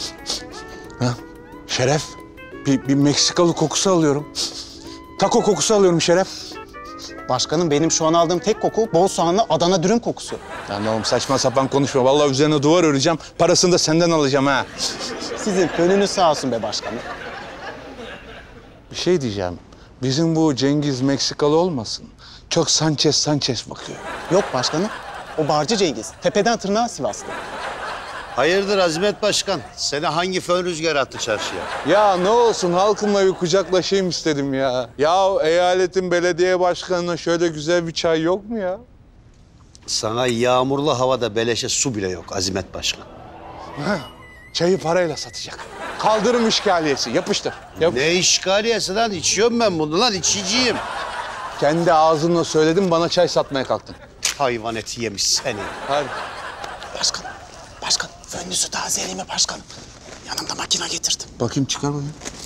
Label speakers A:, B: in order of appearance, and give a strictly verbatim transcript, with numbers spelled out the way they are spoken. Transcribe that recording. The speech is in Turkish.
A: Ha? Şeref, bir, bir Meksikalı kokusu alıyorum. Taco kokusu alıyorum Şeref.
B: Başkanım benim şu an aldığım tek koku bol soğanlı Adana dürüm kokusu.
A: Lan oğlum saçma sapan konuşma. Vallahi üzerine duvar öreceğim. Parasını da senden alacağım ha.
B: Sizin gönlünüz sağ olsun be başkanım.
A: Bir şey diyeceğim. Bizim bu Cengiz Meksikalı olmasın? Çok Sanchez Sanchez bakıyor.
B: Yok başkanım. O Barcı Cengiz. Tepeden tırnağa Sivaslı.
C: Hayırdır Azimet Başkan? Seni hangi fön rüzgarı attı çarşıya?
A: Ya ne olsun halkımla bir kucaklaşayım istedim ya. Ya eyaletin belediye başkanına şöyle güzel bir çay yok mu ya?
C: Sana yağmurlu havada beleşe su bile yok Azimet Başkan.
A: Ha, çayı parayla satacak. Kaldırım işgaliyesi. Yapıştır. Yap.
C: Ne işgaliyesi lan? İçiyorum ben bunu lan, içiciyim.
A: Kendi ağzınla söyledin, bana çay satmaya kalktın.
C: Hayvan eti yemiş seni.
A: Hadi.
B: Başkanım. Başkanım. Fönlüsü tazeleyeyim mi başkanım? Yanımda makine getirdim.
A: Bakayım çıkar bakayım.